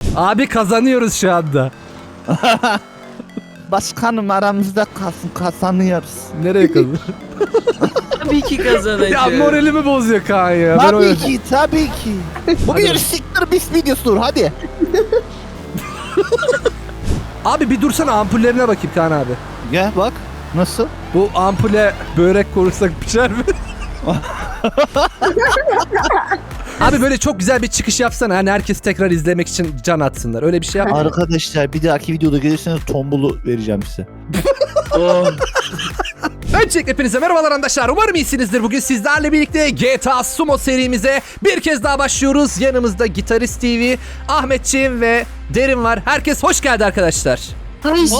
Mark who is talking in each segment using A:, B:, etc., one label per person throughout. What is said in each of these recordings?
A: Abi kazanıyoruz şu anda.
B: Başkanım aramızda kalsın, kazanıyoruz.
A: Nereye kazan?
C: Tabii ki kazanacağız.
A: Ya moralimi bozuyor Kaan ya.
B: Tabii ki. Bu bir siktir bis videosudur hadi.
A: Abi bir dursana ampullerine bakayım Kaan abi.
B: Gel bak. Nasıl?
A: Bu ampule börek korursak pişer mi? Abi böyle çok güzel bir çıkış yapsana. Hani herkes tekrar izlemek için can atsınlar. Öyle bir şey yap.
B: Arkadaşlar bir dahaki videoda gelirseniz tombulu vereceğim size.
C: Oh.
A: Öncelikle hepinize merhabalar arkadaşlar. Umarım iyisinizdir. Bugün sizlerle birlikte GTA Sumo serimize bir kez daha başlıyoruz. Yanımızda Gitarist TV, Ahmetciğim ve Derin var. Herkes hoş geldi arkadaşlar.
B: Evet.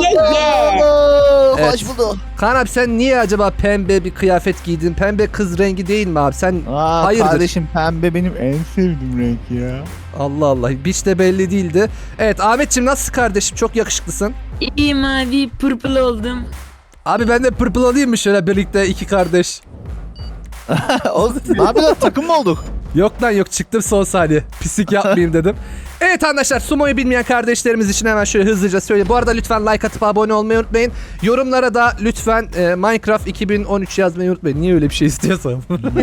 A: Hoş
B: bulduk.
A: Kaan abi sen niye acaba pembe bir kıyafet giydin? Pembe kız rengi değil mi abi? Sen
B: Aa,
A: hayırdır?
B: kardeşim pembe benim en sevdiğim renk ya.
A: Allah Allah. Hiç de belli değildi. Evet Ahmetciğim nasılsın kardeşim? Çok yakışıklısın.
C: İyiyim abi, purple oldum.
A: Abi ben de purple olayım mı şöyle birlikte iki kardeş?
B: Ne yapıyorsun, takım mı olduk?
A: Yok lan yok, çıktım son saniye. Pislik yapmayayım dedim. Evet arkadaşlar, Sumo'yu bilmeyen kardeşlerimiz için hemen şöyle hızlıca söyleyeyim. Bu arada lütfen like atıp abone olmayı unutmayın. Yorumlara da lütfen Minecraft 2013 yazmayı unutmayın. Niye öyle bir şey istiyorsam.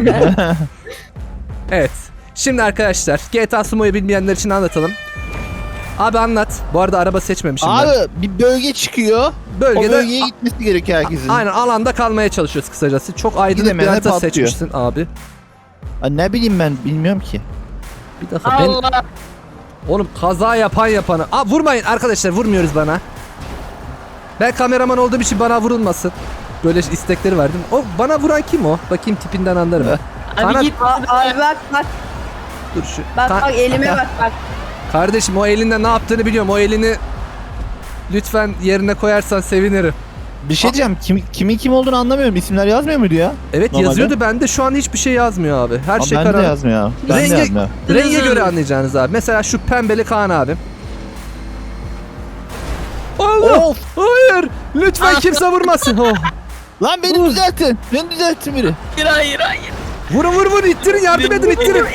A: Evet. Şimdi arkadaşlar GTA Sumo'yu bilmeyenler için anlatalım. Abi anlat. Bu arada araba seçmemişim ben.
B: Abi bir bölge çıkıyor.
A: Bölgede
B: O bölgeye gitmesi gerekiyor herkesin.
A: aynen alanda kalmaya çalışıyoruz kısacası. Çok aydınlık bir
B: Gidemeyenler
A: harita
B: patlıyor.
A: seçmişsin abi.
B: Aa, ne bileyim ben bilmiyorum ki.
A: Bir dakika ben...
C: Allah.
A: Oğlum kaza yapan yapana. Aa vurmayın arkadaşlar, vurmuyoruz bana. Ben kameraman olduğum için bana vurulmasın. Böyle istekleri verdim. O bana vuran kim o? Bakayım tipinden anlarım.
C: Abi
A: Bana-
C: git.
D: Abi bak
A: Dur şu.
D: bak
A: Ka-
D: bak elime bak.
A: Kardeşim o elinde ne yaptığını biliyorum. O elini lütfen yerine koyarsan sevinirim.
B: Bir şey diyeceğim. Kimin kim olduğunu anlamıyorum. İsimler yazmıyor muydu ya?
A: Evet
B: Normalde.
A: yazıyordu, bende şu an hiçbir şey yazmıyor abi. Her
B: Ama
A: şey
B: bende de
A: karanlık.
B: yazmıyor. Ben de
A: Rengi-
B: yazmıyor.
A: Renge göre
C: Yazıyor.
A: anlayacağınız abi. Mesela şu pembeli Kaan abi. Allah!
B: Of!
A: Hayır! Lütfen kimse vurmasın. Oh.
B: Lan beni düzeltin. Beni düzeltin biri.
C: Hayır hayır.
A: Vurun ittirin, yardım edin, ittirin.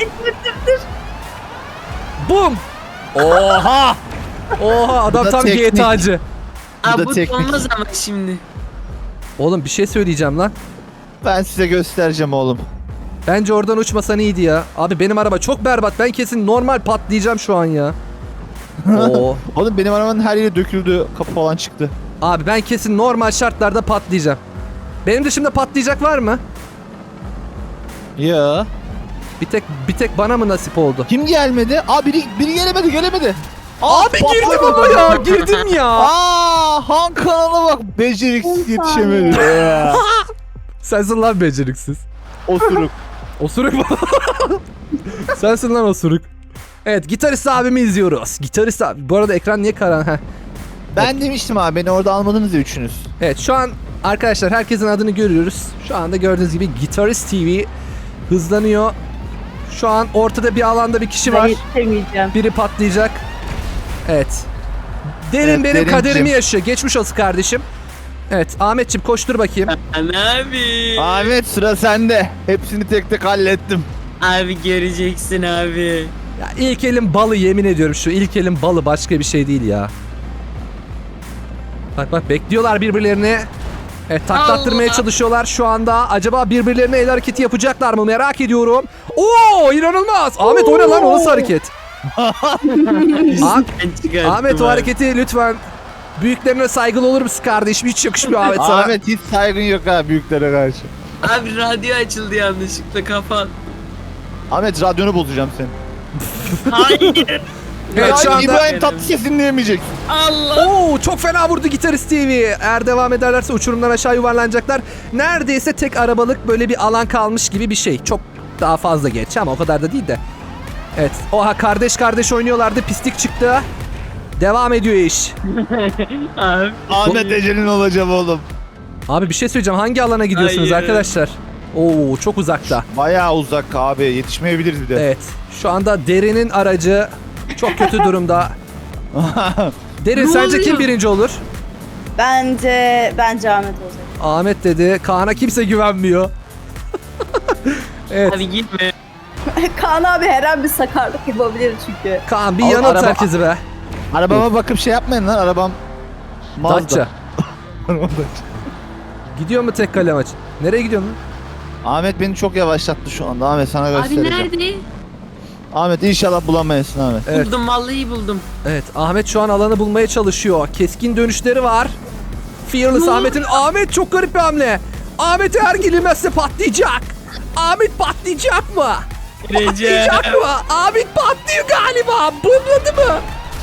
A: Bum. Oha. Oha adam
B: Bu da
A: tam
B: teknik.
A: GTA'cı.
B: Bu da
C: Abi bu
B: teknik.
C: olmaz ama şimdi.
A: Oğlum bir şey söyleyeceğim lan.
B: Ben size göstereceğim oğlum.
A: Bence oradan uçmasan iyiydi ya. Abi benim araba çok berbat. Ben kesin normal patlayacağım şu an ya. Oo.
B: Oğlum benim arabanın her yeri döküldü. Kapı falan çıktı.
A: Abi ben kesin normal şartlarda patlayacağım. Benim dışımda patlayacak var mı?
B: Ya.
A: Bir tek bana mı nasip oldu?
B: Kim gelmedi? Aa biri gelemedi.
A: Abi girdim
B: patladı.
A: ama ya, girdim ya.
B: Aa, Han kanala bak. Beceriksiz yetişemedi. Ya.
A: Sensin lan beceriksiz.
B: Osuruk.
A: Osuruk mu? Sensin lan osuruk. Evet, gitarist abimi izliyoruz. Gitarist abi. Bu arada ekran niye karan? Heh.
B: Ben demiştim abi beni orada almadınız ya üçünüz.
A: Evet şu an arkadaşlar herkesin adını görüyoruz. Şu anda gördüğünüz gibi Gitarist TV hızlanıyor. Şu an ortada bir alanda bir kişi
D: Ben
A: var.
D: yetişemeyeceğim.
A: Biri patlayacak. Evet. Derin
B: Evet,
A: benim
B: Derincim.
A: kaderimi yaşıyor. Geçmiş olsun kardeşim. Evet Ahmetciğim koştur bakayım.
C: Abi.
B: Ahmet sıra sende. Hepsini tek tek hallettim.
C: Abi göreceksin abi.
A: Ya ilk elin balı, yemin ediyorum şu ilk elin balı, başka bir şey değil ya. Bak bekliyorlar birbirlerini. Evet taklattırmaya
C: Allah.
A: çalışıyorlar şu anda. Acaba birbirlerine el hareketi yapacaklar mı merak ediyorum. Oo inanılmaz. Ahmet o ne lan, o nasıl hareket?
C: Ben çıkarttım
A: Ahmet o
C: abi.
A: hareketi lütfen. Büyüklerine saygılı olur musun kardeşim? Hiç yakışmıyor Ahmet sana.
B: Ahmet hiç saygın yok ha büyüklere karşı.
C: Abi radyo açıldı yanlışlıkla, kapat.
B: Ahmet radyonu bozacağım seni.
C: Hayır.
A: Evet şu anda.
B: İbrahim Tatlıses dinleyemeyecek.
C: Allah.
A: Oo çok fena vurdu Gitarist TV. Eğer devam ederlerse uçurumdan aşağı yuvarlanacaklar. Neredeyse tek arabalık böyle bir alan kalmış gibi bir şey. Çok daha fazla geç ama o kadar da değil de. Evet. Oha kardeş oynuyorlardı. Pislik çıktı. Devam ediyor iş.
C: Abi.
B: Ahmet ecelin olacağım oğlum.
A: Abi bir şey söyleyeceğim. Hangi alana gidiyorsunuz
C: Hayır.
A: arkadaşlar? Oo çok uzakta.
B: Bayağı uzak abi yetişmeyebiliriz bir de.
A: Evet. Şu anda Derin'in aracı çok kötü durumda. Derin
C: Ne
A: sence kim
C: oluyor?
A: birinci olur?
D: Bence Ahmet olacak.
A: Ahmet dedi. Kaan'a kimse güvenmiyor. Evet.
C: Abi gitme.
D: Kaan abi her an bir sakarlık yapabilir çünkü.
A: Kaan bir
B: Oğlum,
A: yanıt
B: araba-
A: herkesi be.
B: Arabama bakıp şey yapmayın lan, arabam Mazda.
A: Datça. Gidiyor mu tek kale maç? Nereye gidiyorsun lan?
B: Ahmet beni çok yavaşlattı şu anda. Ahmet sana
C: Abi
B: göstereceğim.
C: nerede?
B: Ahmet inşallah bulamayasın Ahmet.
A: Evet.
C: Buldum vallahi buldum.
A: Evet, Ahmet şu an alanı bulmaya çalışıyor. Keskin dönüşleri var. Fearless
C: Ne?
A: Ahmet çok garip bir hamle. Ahmet eğer girilmezse patlayacak. Ahmet patlayacak mı?
C: Recep.
A: Patlayacak mı? Ahmet patlıyor galiba. Bulmadı mı?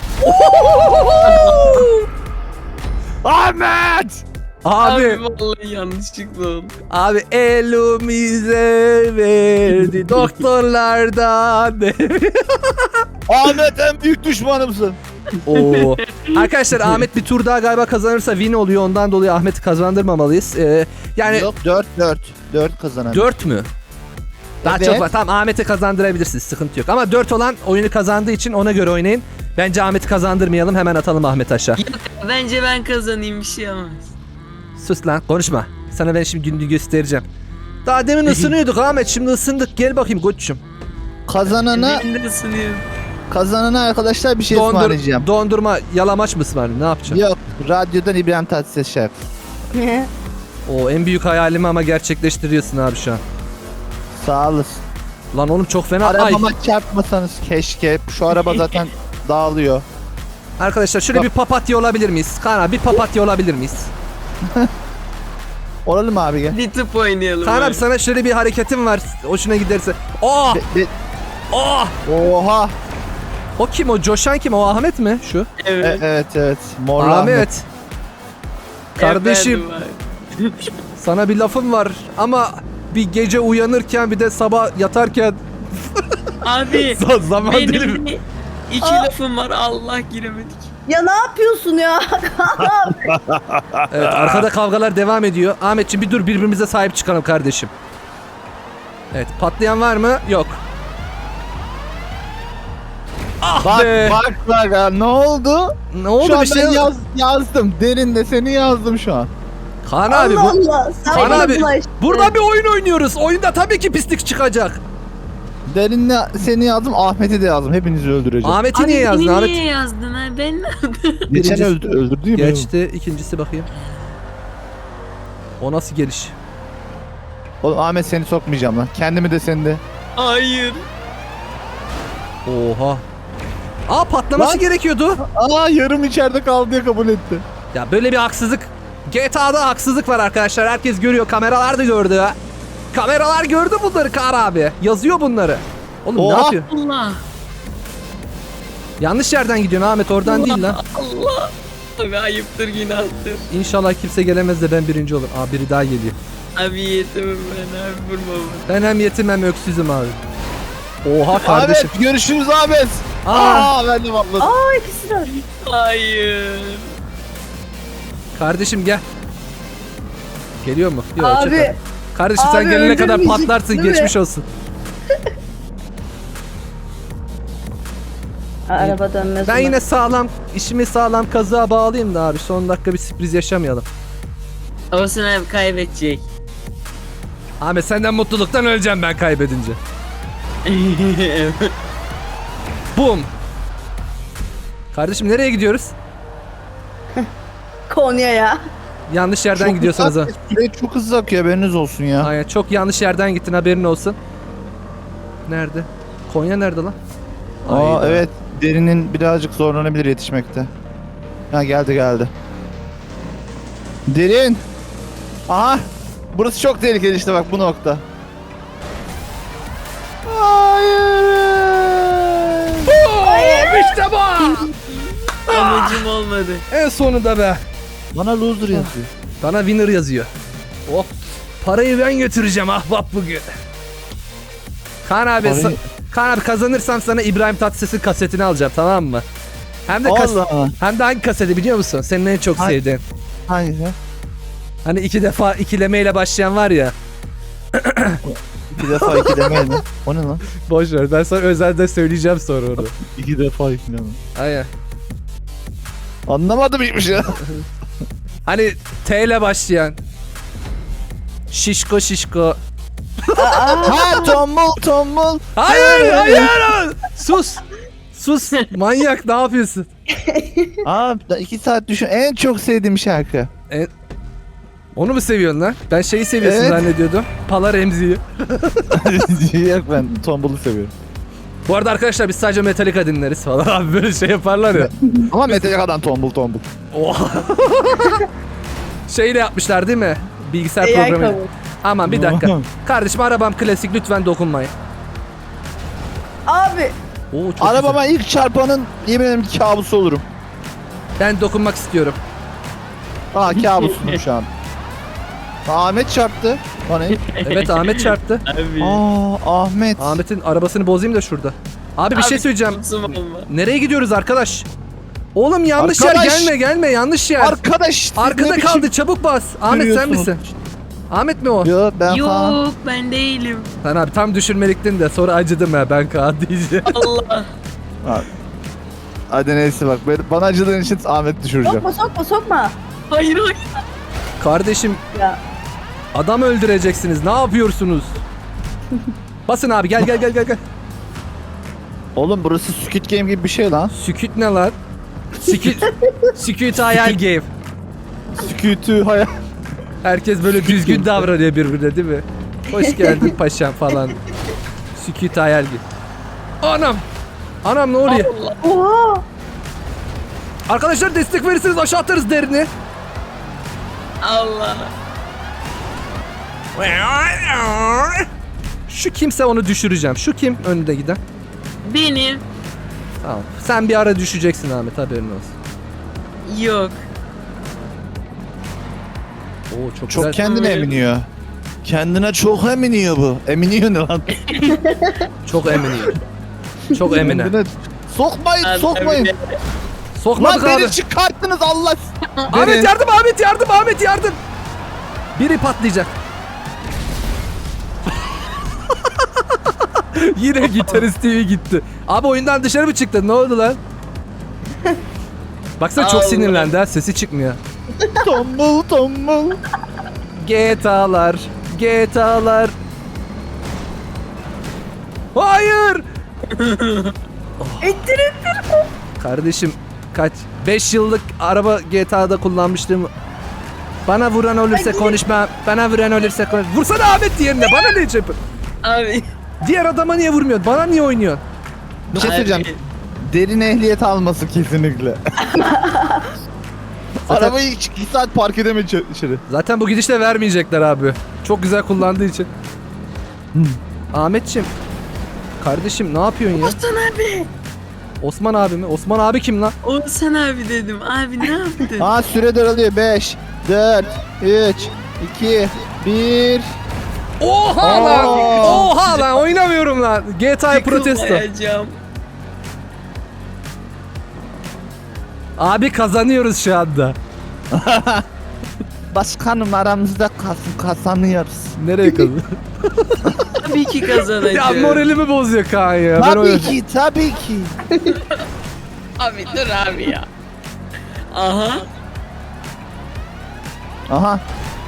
B: Ahmet!
A: Abi,
C: vallahi yanlışlıkla oldu.
A: abi elimize verdi doktorlardan.
B: Ahmet en büyük düşmanımsın.
A: Oo. Arkadaşlar Ahmet bir tur daha galiba kazanırsa win oluyor. Ondan dolayı Ahmet'i kazandırmamalıyız. Yani
B: Yok 4 kazanan.
A: 4 mü? Daha
B: Evet.
A: çok var. Tamam Ahmet'i kazandırabilirsiniz. Sıkıntı yok. Ama 4 olan oyunu kazandığı için ona göre oynayın. Bence Ahmet'i kazandırmayalım. Hemen atalım Ahmet aşağı.
C: Yok bence ben kazanayım bir şey olmaz.
A: Sus lan konuşma. Sana ben şimdi gününü göstereceğim. Daha demin ısınıyorduk Ahmet. Şimdi ısındık. Gel bakayım koçum.
B: Kazanana
C: Benim de ısınıyorum.
B: arkadaşlar bir şey ısmarlayacağım.
A: Dondurma yalamaç mı ısmarlayayım? Ne yapacağım?
B: Yok, radyodan İbrahim Tatlıses şef.
A: O en büyük hayalimi ama gerçekleştiriyorsun abi şu an.
B: Sağ olasın.
A: Lan oğlum çok fena. Ay.
B: Arabama çarpmasanız keşke. Şu araba zaten dağılıyor.
A: Arkadaşlar şöyle bir papatya olabilir miyiz? Kaan abi bir papatya olabilir miyiz?
B: Olalım abi gel.
C: Bir tıp oynayalım.
A: Kaan abi sana şöyle bir hareketim var. Hoşuna giderse. Oh! Oh!
B: Oha.
A: O kim o? Coşan kim? O Ahmet mi? Şu.
C: Evet.
B: Evet. Morlu Ahmet.
A: Ahmet. Kardeşim
C: Efendim
A: sana bir lafım var ama bir gece uyanırken bir de sabah yatarken
C: abi.
A: zaman dilimi.
C: Benim de iki lafım var Allah giremedik.
D: Ya ne yapıyorsun ya? Kaan abi.
A: Evet arkada kavgalar devam ediyor. Ahmetciğim bir dur birbirimize sahip çıkalım kardeşim. Evet patlayan var mı? Yok. Ah
B: Bak
A: be.
B: bak ha, ne oldu?
A: Ne oldu
B: Şu an
A: bir şey?
B: ben yazdım. Derinde seni yazdım şu an.
A: Kaan abi bu.
D: Allah Allah. Sen
A: Kaan
D: bana
A: abi
D: bulaştın.
A: burada bir oyun oynuyoruz. Oyunda tabii ki pislik çıkacak.
B: Derinle seni yazdım. Ahmet'i de yazdım. Hepinizi öldüreceğim.
A: Ahmet'i
C: Abi
A: niye yazdın
C: beni
A: Ahmet?
C: niye yazdın ha? Ben
B: Geçen
A: Birincisi-
B: öldürdü değil mi?
A: Geçti. İkincisi bakayım. O nasıl geliş?
B: Oğlum Ahmet seni sokmayacağım lan. Kendimi de seni de.
C: Hayır.
A: Oha. Aa patlaması
B: Lan.
A: gerekiyordu.
B: Aa yarım içeride kaldı diye kabul etti.
A: Ya böyle bir haksızlık. GTA'da haksızlık var arkadaşlar. Herkes görüyor. Kameralar da gördü. Kameralar gördü bunları Kaan abi. Yazıyor bunları. Oğlum ne
B: Oha.
A: yapıyor?
C: Allah.
A: Yanlış yerden gidiyorsun Ahmet. Oradan değil lan.
C: Allah. Abi ayıptır günahtır.
A: İnşallah kimse gelemez de ben birinci olur. Aa biri daha geliyor.
C: Abi yetimim ben abi vurma bana.
A: Ben hem yetim hem öksüzüm abi. Oha kardeşim.
B: Ahmet görüşürüz Ahmet.
A: Aa,
B: Ben de patladım.
D: Aa ikisi de öyle.
C: Hayır.
A: kardeşim gel. Geliyor mu? Yok,
D: Abi.
A: çakal. Kardeşim sen
D: Abi
A: gelene kadar
D: öldürmeyecek,
A: patlarsın.
D: değil mi?
A: Geçmiş olsun.
D: Araba dönmez.
A: Ben
D: ona.
A: yine sağlam, işimi sağlam kazığa bağlayayım da abi. Son dakika bir sürpriz yaşamayalım.
C: Olsun abi kaybedecek.
A: Ahmet senden mutluluktan öleceğim ben kaybedince. Bum. Kardeşim nereye gidiyoruz?
D: Konya'ya.
A: Yanlış yerden gidiyorsanız ha.
B: Süre çok hızlı akıyor haberiniz olsun ya.
A: Aynen çok yanlış yerden gittin haberin olsun. Nerede? Konya nerede lan?
B: Aa
A: Hayda.
B: evet derinin birazcık zorlanabilir yetişmekte. Ha geldi. Derin. Aha. Burası çok tehlikeli işte bak bu nokta. Hayır.
A: İşte bu.
C: Amacım olmadı.
A: En sonunda be.
B: Bana loser yazıyor.
A: Bana winner yazıyor. Oh. Parayı ben götüreceğim ahbap bugün. Kaan abi,
B: Parayı-
A: Kaan abi kazanırsam sana İbrahim Tatlıses'in kasetini alacağım tamam mı? Hem de
B: Allah.
A: hem de hangi kaseti biliyor musun? Senin en çok
B: Hangi-
A: sevdiğin.
B: Hangisi?
A: Hani 2 defa ikilemeyle başlayan var ya.
B: 2 defa 2 demeyin lan. O ne lan?
A: Boş ver ben sana özelde söyleyeceğim sonra onu.
B: 2 defa 2 deme.
A: Aynen.
B: Anlamadım hiçbir şey.
A: Hani T ile başlayan. Şişko şişko.
B: Ha tombul.
A: Hayır. Sus. Manyak ne yapıyorsun?
B: Abi 2 saat düşün. En çok sevdiğim şarkı.
A: Onu mu seviyorsun lan? Ben şeyi seviyorsun
B: Evet.
A: zannediyordum. Pala Remzi'yi.
B: Yok ben tombulu seviyorum.
A: Bu arada arkadaşlar biz sadece Metallica dinleriz falan. Abi böyle şey yaparlar ya.
B: Ama Metallica'dan tombul.
A: Oha. Şeyle yapmışlar değil mi? Bilgisayar
D: AI
A: programı.
D: kabul.
A: Aman bir dakika. Kardeşim arabam klasik lütfen dokunmayın.
D: Abi.
A: Oo, çok
B: Arabama ilk çarpanın yemin ederim ki kabusu olurum.
A: güzel. Ben dokunmak istiyorum.
B: Kabusum şu an. Ahmet çarptı. Bana.
A: Evet Ahmet çarptı.
C: Abi.
B: Ahmet.
A: Ahmet'in arabasını bozayım da şurada. Abi bir şey söyleyeceğim.
C: Kusum olma.
A: Nereye gidiyoruz arkadaş? Oğlum yanlış
B: Arkadaş!
A: yer gelme yanlış yer.
B: Arkadaş. siz
A: Arkada
B: ne biçim
A: kaldı çabuk bas. Ahmet sen
B: yürüyorsunuz?
A: misin? Ahmet mi o?
B: Yo ben Kaan.
C: Yok ben değilim.
A: Sen abi tam düşürmeliktin de sonra acıdım ya ben Kaan diyeceğim.
C: Allah.
B: Hadi neyse bak bana acıdığın için Ahmet düşüreceğim.
D: Sokma.
C: Hayır.
A: Kardeşim
D: Ya.
A: adam öldüreceksiniz ne yapıyorsunuz? Basın abi gel.
B: Oğlum burası Squid Game gibi bir şey lan.
A: Süküt ne lan? Süküt hayal game.
B: Squid'ü hayal.
A: Herkes böyle düzgün davranıyor birbirine değil mi? Hoş geldin paşam falan. Süküt hayal game. Anam ne oluyor?
D: Oha.
A: Arkadaşlar destek verirseniz aşağı atarız derini.
C: Allah.
A: Şu kimse onu düşüreceğim. Şu kim önünde giden?
C: Benim.
A: Tamam. Sen bir ara düşeceksin Ahmet haberin olsun.
C: Yok.
A: Oo çok
B: Çok
A: güzel.
B: kendine eminiyor. Kendine çok eminiyor bu. Eminiyor ne lan?
A: Çok eminim. Çok emine.
B: Kendine- Sokmayın
C: Abi,
B: sokmayın.
C: abi.
A: Sokmadık
B: Lan
A: abi.
B: beni çıkarttınız Allah.
A: Ahmet yardım. Biri patlayacak. Yine Gitarist TV gitti. Abi oyundan dışarı mı çıktın? Ne oldu lan? Baksana çok
C: Allah.
A: sinirlendi ha. Sesi çıkmıyor.
B: Tombul.
A: GTA'lar. Hayır.
D: İttir.
A: Kardeşim kaç? 5 yıllık araba GTA'da kullanmıştım. Bana vuran olursa konuşma. Vursana Ahmet diğerine. Bana ne yapıyorsun?
C: Abi.
A: Diğer adama niye vurmuyorsun? Bana niye oynuyorsun?
B: Bir şey
C: Abi.
B: söyleyeceğim. Derin ehliyet alması kesinlikle. Arabayı 2 saat park edemedi içeri.
A: Zaten bu gidişle vermeyecekler abi. Çok güzel kullandığı için. Ahmetçim. Kardeşim ne yapıyorsun ya?
C: Osman abi.
A: Osman abi mi? Osman abi kim lan?
C: Osman abi dedim. Abi ne yaptın?
B: Aa süre daralıyor. 5, 4, 3, 2, 1.
A: Oha lan! Oha lan! Oynamıyorum lan. GTA protesto.
C: Yıkılmayacağım.
A: Abi kazanıyoruz şu anda.
B: Başkanım aramızda kalsın kazanıyoruz.
A: Nereye kazan?
C: Tabii ki kazanacağım.
A: Ya moralimi bozuyor Kaan ya. Ben
B: Tabii
A: oynayacağım.
B: ki tabii ki.
C: Abi dur abi ya. Aha.
B: Aha.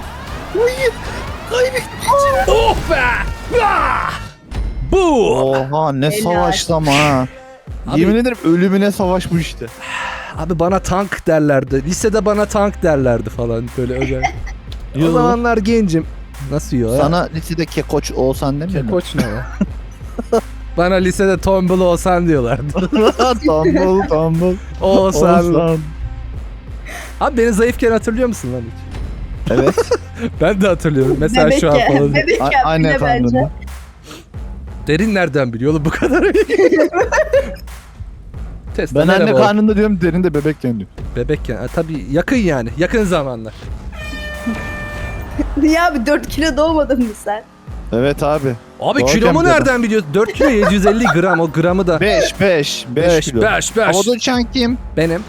A: Oh be! Ah! Bu!
B: Oha ne
D: Helal.
B: savaştı ama ha.
A: Abi-
B: Yemin ederim ölümüne savaş bu işte.
A: Abi bana tank derlerdi. Lisede bana tank derlerdi falan böyle özel. O
B: Yo.
A: zamanlar gencim. Nasıl yiyor ya?
B: Sana lisede kekoç olsan demiyor mu?
A: Koç ne ya? Bana lisede tombul olsan diyorlardı.
B: Tombul.
A: Olsan. Abi beni zayıfken hatırlıyor musun lan hiç?
B: Evet.
A: Ben de hatırlıyorum. Mesela şu an falan.
D: Bebekken
B: Aynen
D: bile bence.
B: kandım.
A: Derin nereden biliyor oğlum bu kadar? Tesla
B: Ben anne
A: merhaba.
B: karnında diyorum derin de bebekken diyor.
A: Bebekken. Tabii yakın yani. Yakın zamanlar.
D: Niye abi 4 kilo doğmadın mı sen?
B: Evet abi.
A: Abi
B: Doğru
A: kilomu
B: temizledim.
A: nereden biliyorsun? 4 kilo 750 gram o gramı da.
B: 5 kilo.
A: 5.
B: Havada uçan kim?
A: Benim.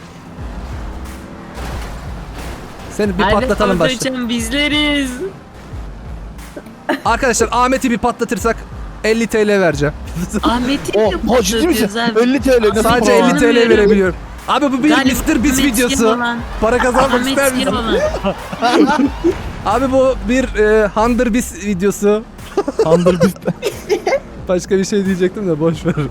A: Seni bir
C: Abi
A: patlatalım
C: orada
A: başta.
C: uçan bizleriz.
A: Arkadaşlar Ahmet'i bir patlatırsak 50 TL vereceğim.
C: Ahmet'i
B: Oh, ciddi misin? 50 TL nasıl
A: Sadece
B: para?
A: 50 TL verebiliyorum. Abi bu bir
C: Galiba
A: Mr. Beast
C: Ahmet
A: videosu.
C: Yaman.
A: Para kazanmak
C: Ahmet
A: ister misin?
C: Yaman.
A: Abi bu bir Hunter Beast videosu.
B: Tandır biz.
A: Başka bir şey diyecektim de boş ver.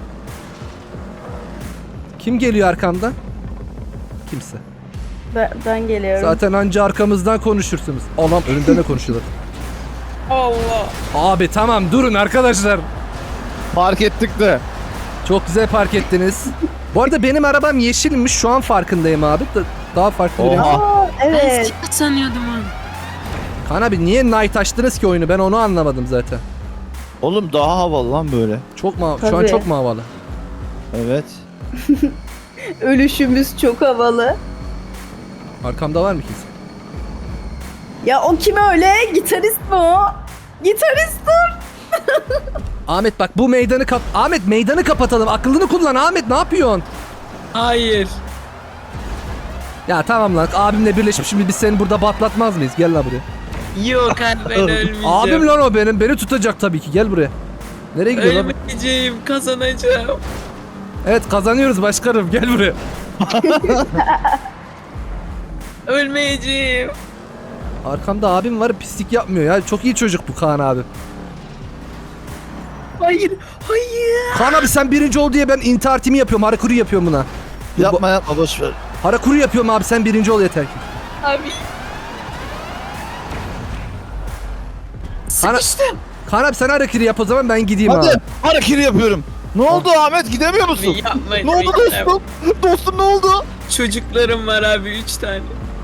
A: Kim geliyor arkamdan? Kimse.
D: Ben geliyorum.
A: Zaten anca arkamızdan konuşursunuz. Allah'ım önümden de konuşuyorlar.
C: Allah.
A: Abi tamam durun arkadaşlar.
B: Fark ettik de.
A: Çok güzel park ettiniz. Bu arada benim arabam yeşilmiş. Şu an farkındayım abi. Daha farklı bir renk.
B: Oha.
D: Aa,
C: Ben
D: evet.
C: siyah sanıyordum abi.
A: Kaan abi niye night açtınız ki oyunu? Ben onu anlamadım zaten.
B: Oğlum daha havalı lan böyle.
A: Çok mu? Şu an
D: Tabii.
A: çok mu havalı?
B: Evet.
D: Ölüşümüz çok havalı.
A: Arkamda var mı kimse?
D: Ya o kim öyle? Gitarist mi o? Gitarist dur.
A: Ahmet bak bu meydanı Ahmet meydanı kapatalım. Aklını kullan Ahmet, ne yapıyorsun?
C: Hayır.
A: Ya tamam lan, abimle birleşip şimdi biz seni burada batlatmaz mıyız? Gel lan buraya.
C: Yok abi ben ölmeyeceğim.
A: Abim lan o benim. Beni tutacak tabii ki. Gel buraya. Nereye gidiyor lan?
C: Ölmeyeceğim, kazanacağım.
A: Evet kazanıyoruz başkanım. Gel buraya.
C: Ölmeyeceğim.
A: Arkamda abim var, pislik yapmıyor ya. Çok iyi çocuk bu Kaan abi.
C: Hayır, hayır.
A: Kaan abi sen birinci ol diye ben intihar timi yapıyorum. Harakuru yapıyorum buna.
B: Yapma boş ver.
A: Harakuru yapıyorum abi, sen birinci ol yeter ki.
C: Abi. Sıkıştım.
A: Kaan abi sen harakiri yap o zaman, ben gideyim
B: Hadi
A: abi.
B: hareketi yapıyorum. Ne oldu Ahmet, gidemiyor musun?
C: Yapmayın.
B: Ne oldu dostum? Dostum ne oldu?
C: Çocuklarım var abi 3 tane.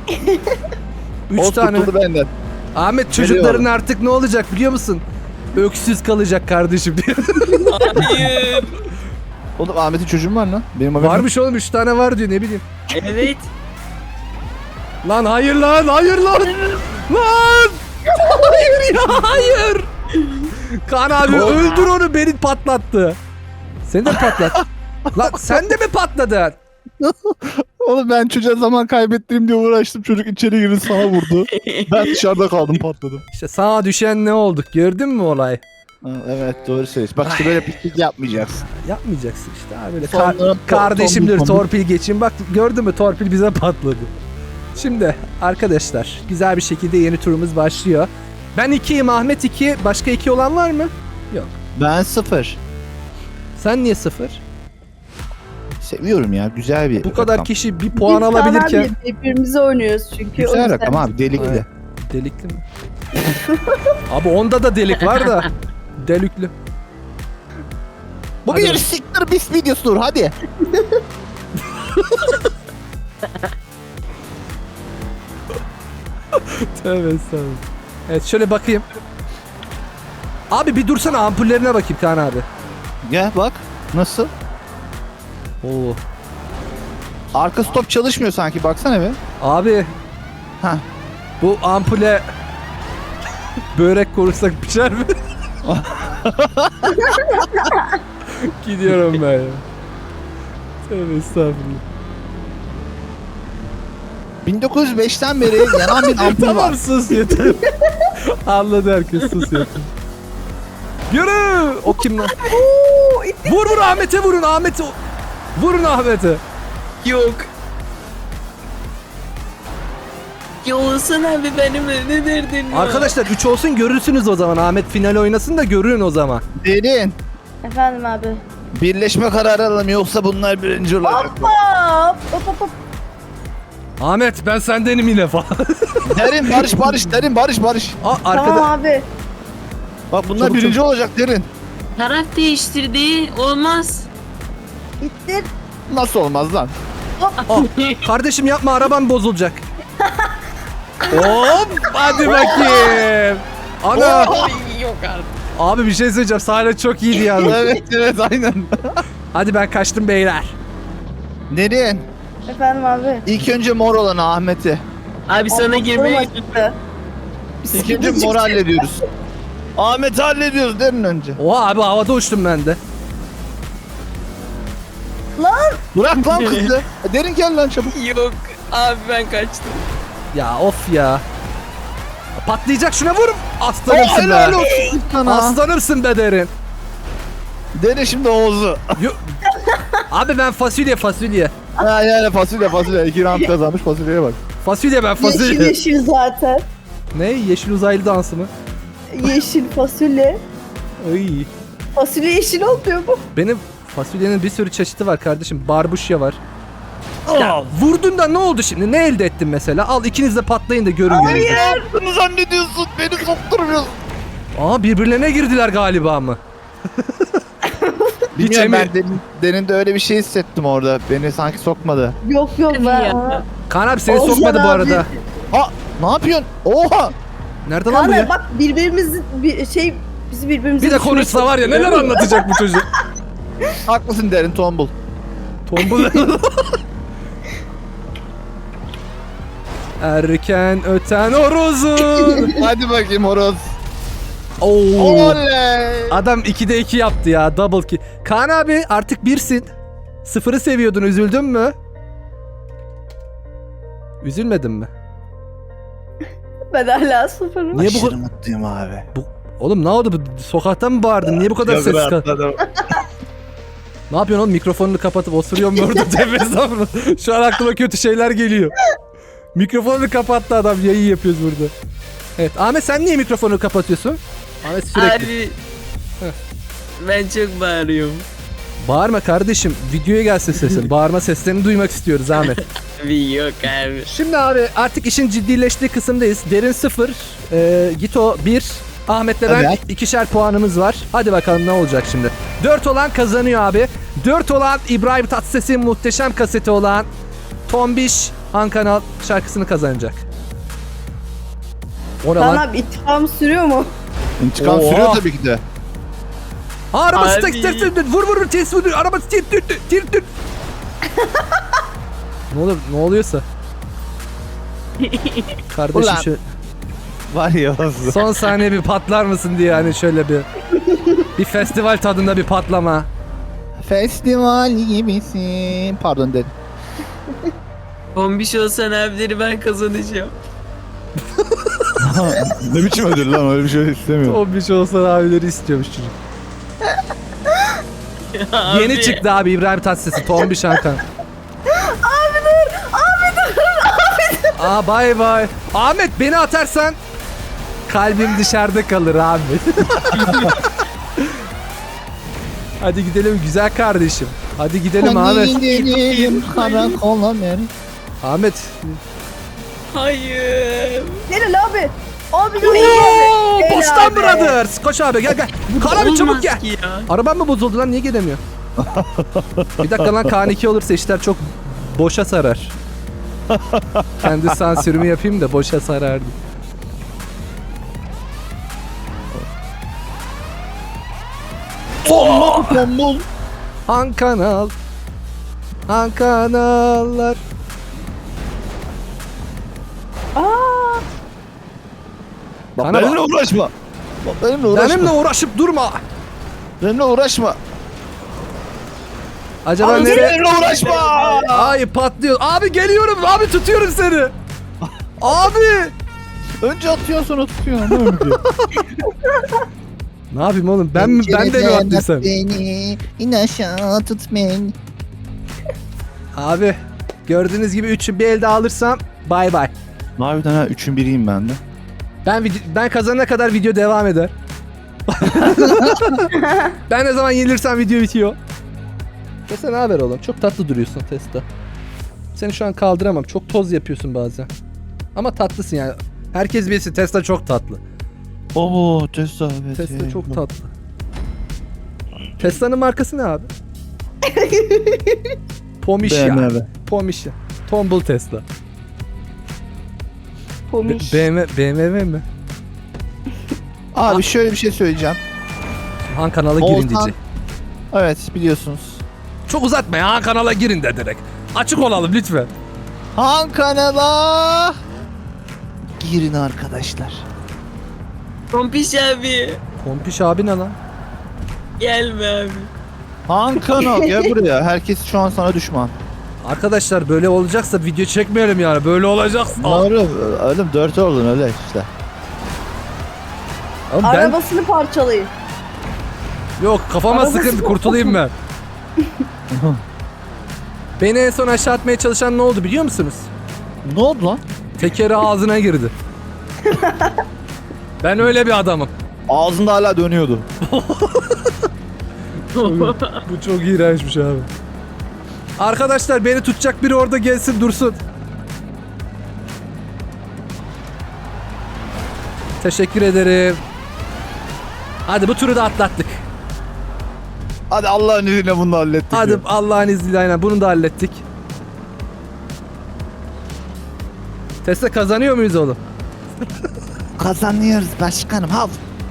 A: 3 tane.
B: Tutuldu benden.
A: Ahmet çocukların
B: Veriyorum.
A: artık ne olacak biliyor musun? Öksüz kalacak kardeşim diyor.
C: Hayır.
B: Oğlum Ahmet'in çocuğu mu var lan? Benim haberim yok.
A: Varmış oğlum, 3 tane var diyor, ne bileyim.
C: Evet.
A: Lan hayır lan, hayır lan. Lan! Hayır ya, hayır. Kaan abi öldür onu, beni patlattı. Seni de patlat. Lan sen de mi patladın?
B: Oğlum ben çocuğa zaman kaybettireyim diye uğraştım. Çocuk içeri girdi, sana vurdu. Ben dışarıda kaldım, patladım.
A: İşte sana düşen ne olduk, gördün mü olay?
B: Ha, evet doğru söylüyorsun. Bak işte böyle pislik yapmayacaksın.
A: Yapmayacaksın işte abi, böyle
B: Sonra
A: kardeşimdir,
B: tombul.
A: torpil geçin. Bak gördün mü, torpil bize patladı. Şimdi arkadaşlar güzel bir şekilde yeni turumuz başlıyor. Ben 2'yim, Ahmet 2. Başka 2 olan var mı? Yok.
B: Ben 0.
A: Sen niye 0?
B: Seviyorum ya, güzel bir
A: Bu kadar
B: rakam.
A: kişi bir puan
D: Biz
A: alabilirken.
D: Kaan abi birbirimize oynuyoruz çünkü. o
B: Güzel
D: yüzden.
B: rakam abi, delikli.
A: Evet. Delikli mi? Abi onda da delik var da. Delikli.
B: Bu
A: Hadi
B: bir
A: bakalım.
B: siktir bis videosudur, hadi.
A: Tövbe estağfurullah. Evet şöyle bakayım. Abi bir dursana, ampullerine bakayım Kaan abi.
B: Gel bak. Nasıl?
A: Oo.
B: Arka stop çalışmıyor sanki, baksana be.
A: Abi
B: Ha.
A: bu ampule börek korursak pişer mi? Gidiyorum ben ya. Tövbe estağfurullah.
B: 1905'ten beri yanan bir ampul
A: Tamam
B: var.
A: sus yeter. Anladı herkes, sus yeter. Yürü! O kim lan?
D: Oo, itti.
A: Vur vur Ahmet'e, vurun Ahmet'e. Vurun Ahmet'e.
C: Yok. Ya olsun abi benimle ne derdin var?
A: Arkadaşlar 3 olsun, görürsünüz o zaman. Ahmet final oynasın da görün o zaman.
B: Derin.
D: Efendim abi.
B: Birleşme kararı alalım, yoksa bunlar birinci olacak.
D: Hop.
A: Ahmet ben sendenim yine falan.
B: Derin barış, derin barış.
A: Aa, arkada.
D: Tamam abi.
B: Bak bunlar
A: Çabuk,
B: birinci olacak derin.
C: Taraf değiştirdi. Olmaz.
D: İttir.
B: Nasıl olmaz lan?
A: Kardeşim yapma, arabam bozulacak. Hop hadi bakayım. Ana.
C: Ay, yok artık.
A: Abi bir şey söyleyeceğim. Sahne çok iyiydi yalnız.
B: evet aynen.
A: Hadi ben kaçtım beyler.
B: Derin.
D: Efendim abi.
B: İlk önce mor olanı Ahmet'i.
C: Abi sana girmeye
D: acıttı.
B: İkinci mor hallediyoruz. Ahmet'i hallediyoruz derin önce.
A: Oha abi, havada uçtum ben de.
D: Lan.
B: Bırak lan kızı. Derin gel lan çabuk.
C: Yok. Abi ben kaçtım.
A: Ya of ya. Patlayacak, şuna vur. Aslanımsın
B: Helal
A: be.
B: olsun sana.
A: Aslanımsın be Derin.
B: Derin şimdi Oğuz'u.
A: Abi ben fasulye.
B: Ha yani fasulye. 2 round kazanmış, fasulyeye bak.
A: Fasulye ben
D: Yeşil
A: fasulye.
D: yeşil zaten.
A: Ne? Yeşil uzaylı dansı mı?
D: yeşil fasulye.
A: Ay.
D: Fasulye yeşil olmuyor mu?
A: Benim fasulyenin bir sürü çeşidi var kardeşim. Barbuşya var. Ya, vurdun da ne oldu şimdi? Ne elde ettin mesela? Al ikiniz de patlayın da görün gününüzü.
B: Bunu zannediyorsun. Beni sokturmuyorsun.
A: Aa birbirlerine girdiler galiba mı? Hiç
B: Bilmiyorum,
A: emin.
B: ben derinde öyle bir şey hissettim orada. Beni sanki sokmadı.
D: Yok ben.
C: Ya.
A: Kaan abi seni
D: Ozan
A: sokmadı bu
D: abi.
A: arada.
B: Ha, ne yapıyorsun? Oha!
A: Nerede lan bu
D: Kaan
A: ya?
D: bak birbirimizin bizi birbirimize
A: Bir de
D: düşürmeye
A: konuşsa var ya neler
D: çalışıyor.
A: anlatacak bu çocuk.
B: Haklısın derin tombul.
A: Tombul. Erken öten orozun.
B: Hadi bakayım horoz.
A: Oo.
B: Oley!
A: Adam 2'de 2 yaptı ya. Double kill. Kaan abi artık 1'sin. 0'ı seviyordun. Üzüldün mü? Üzülmedin mi?
D: Ben hala sıfırım.
A: Niye bu
B: Aşırı
A: kadar...
B: mutluyum abi.
A: Oğlum ne oldu? Sokakta mı bağırdın? Niye bu kadar ses çıkar? Ne yapıyorsun oğlum? Mikrofonunu kapatıp osuruyor mu orada tepesinde mı? Şu an aklıma kötü şeyler geliyor. Mikrofonunu kapattı adam. Yayın yapıyoruz burada. Evet. Ahmet sen niye mikrofonu kapatıyorsun? Ahmet sürekli.
C: Abi.
A: Heh.
C: Ben çok bağırıyorum.
A: Bağırma kardeşim. Videoya gelsin sesin. Bağırma seslerini duymak istiyoruz Ahmet.
C: Bir yok abi.
A: Şimdi abi artık işin ciddileştiği kısımdayız. Derin 0, Gito 1, Ahmet'le ben
B: Evet.
A: 2'şer puanımız var. Hadi bakalım ne olacak şimdi. 4 olan kazanıyor abi. 4 olan İbrahim Tatlıses'in muhteşem kaseti olan Tombiş Han Kanal şarkısını kazanacak. O ne
D: Kaan
A: lan?
D: abi intikam sürüyor mu?
B: İntikam
A: Oha.
B: sürüyor tabii ki de.
A: Ha, arabası
C: Abi.
A: tek vur ters vur arabası tir. Ne oluyorsa. Kardeşim
B: Ulan.
A: şu
B: Var ya.
A: son saniye bir patlar mısın diye hani şöyle bir festival tadında bir patlama.
B: Festival gibisin. Pardon dedim.
C: Bombiş olsan abileri ben kazanacağım.
B: Ne biçim ödül lan, öyle bir şey istemiyorum.
A: O bir şey olsa abileri istiyormuş çocuk.
C: Abi.
A: Yeni çıktı abi İbrahim Tatlıses'i Tombiş Hankan. Aa bay bay. Ahmet beni atarsan kalbim dışarıda kalır Ahmet. Hadi gidelim güzel kardeşim. Hadi gidelim Ahmet.
B: gidelim karakola mer.
A: Ahmet.
C: Hayır.
D: Gelin abi. Abi
A: Oo,
D: Gel
A: Bostan
D: abi.
A: Brothers. Koş abi gel. Kaan abi çabuk
C: Olmaz
A: gel.
C: ki ya.
A: Arabam mı bozuldu lan niye gelemiyor? Bir dakika lan Kaan 2 olursa işler çok boşa sarar. Kendi sansürümü yapayım da boşa sarardı.
B: Tombul.
A: Han Kanal. Han Kanallar.
D: Aa,
B: Bak
A: Kana
B: benimle uğraşma. Bak benimle uğraşma.
A: Benimle uğraşıp durma.
B: Benimle uğraşma.
A: Acaba
B: Abi
A: nereye?
B: benimle uğraşma.
A: Ay patlıyor. Abi geliyorum. Abi tutuyorum seni. Abi.
B: Önce atıyorsun sonra tutuyorsun. Ne öyle ki?
A: Ne yapayım oğlum? Ben de mi attıysam?
B: Beni in aşağı tut beni.
A: Abi gördüğünüz gibi 3'ü bir elde alırsam bay bay.
B: Harbiden ha 3'ün biriyim ben de.
A: Ben kazanana kadar video devam eder. Ben ne zaman yenilirsem video bitiyor. Tesla ne haber oğlum? Çok tatlı duruyorsun Tesla. Seni şu an kaldıramam. Çok toz yapıyorsun bazen. Ama tatlısın yani. Herkes bilsin Tesla çok tatlı.
B: Oo Tesla evet.
A: Tesla çok tatlı. Tesla'nın markası ne abi? Pomişya.
B: BMW.
A: Pomişya. Tombul Tesla.
D: Pomiş.
A: BMW mi?
B: Abi şöyle bir şey söyleyeceğim.
A: Han kanala girin
B: Oğuzhan-
A: diyecek.
B: Evet biliyorsunuz.
A: Çok uzatma ya Han kanala girin de direkt. Açık olalım lütfen.
B: Han kanala girin arkadaşlar.
C: Bombiş abi.
A: Pompiş abi ne lan?
C: Gelme abi.
B: Han kanal gel buraya. Herkes şu an sana düşman.
A: Arkadaşlar böyle olacaksa video çekmeyelim yani. Böyle olacaksa.
B: Doğru. Oğlum 4 oldun öyle işte.
A: Oğlum ben
D: Arabasını parçalayın.
A: yok kafama
D: Arabası
A: sıkıntı
D: yok.
A: kurtulayım ben. Beni en son aşağı atmaya çalışan ne oldu biliyor musunuz?
B: Ne oldu lan?
A: Tekeri ağzına girdi. Ben öyle bir adamım.
B: Ağzında hala dönüyordu.
A: Bu çok iğrençmiş abi. Arkadaşlar beni tutacak biri orada gelsin dursun. Teşekkür ederim. Hadi bu turu da atlattık.
B: Hadi Allah'ın izniyle bunu da hallettik.
A: Hadi
B: ya.
A: Allah'ın izniyle aynen bunu da hallettik. Tesla kazanıyor muyuz oğlum?
B: Kazanıyoruz başkanım. Hav.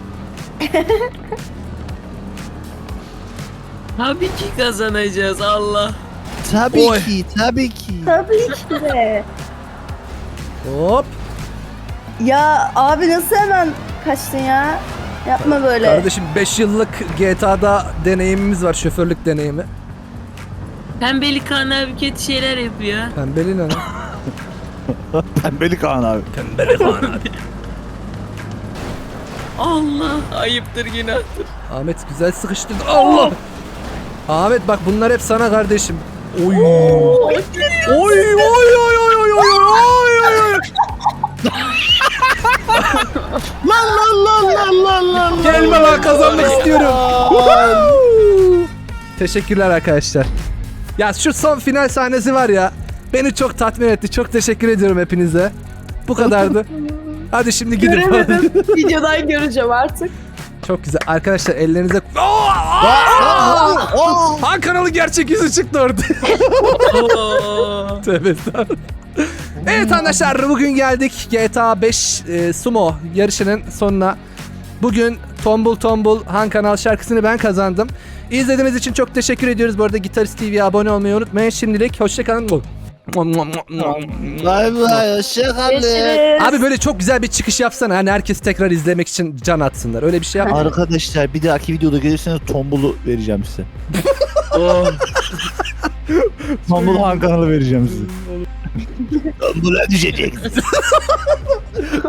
C: Tabii ki kazanacağız Allah.
B: Tabii
A: Oy.
B: ki, tabii ki.
D: Tabii ki de.
A: Hop.
D: Ya abi nasıl hemen kaçtın ya? Yapma böyle.
A: Kardeşim 5 yıllık GTA'da deneyimimiz var, şoförlük deneyimi.
C: Pembeli Kaan abi kötü şeyler yapıyor.
A: Pembeli ne lan?
B: Pembeli Kaan abi.
A: Pembeli Kaan abi.
C: Allah ayıptır günahtır.
A: Ahmet güzel sıkıştı. Allah! Ahmet bak bunlar hep sana kardeşim. Oy. Oy oy oy oy oy oy oy.
B: Lan.
A: Gelme lan kazanmak istiyorum. Woohoo! Teşekkürler arkadaşlar. Ya şu son final sahnesi var ya. Beni çok tatmin etti. Çok teşekkür ediyorum hepinize. Bu kadardı. Hadi şimdi gidin.
D: Göremedim. Videodan göreceğim artık.
A: Çok güzel. Arkadaşlar ellerinize... Han kanalı gerçek yüzü çıktı orada.
C: Oo.
A: Tövbe estağfurullah. Evet arkadaşlar bugün geldik GTA 5 Sumo yarışının sonuna. Bugün Tombul Tombul Han Kanal şarkısını ben kazandım. İzlediğiniz için çok teşekkür ediyoruz. Bu arada Gitarist TV'ye abone olmayı unutmayın. Şimdilik hoşçakalın.
B: Bay bay, hoşçakalın.
D: Görüşürüz.
A: Abi böyle çok güzel bir çıkış yapsana. Hani herkes tekrar izlemek için can atsınlar. Öyle bir şey yap.
B: Arkadaşlar bir dahaki videoda gelirseniz tombulu vereceğim size.
C: Oh.
B: Tombul Han kanalı vereceğim size. Tombula düşeceksiniz.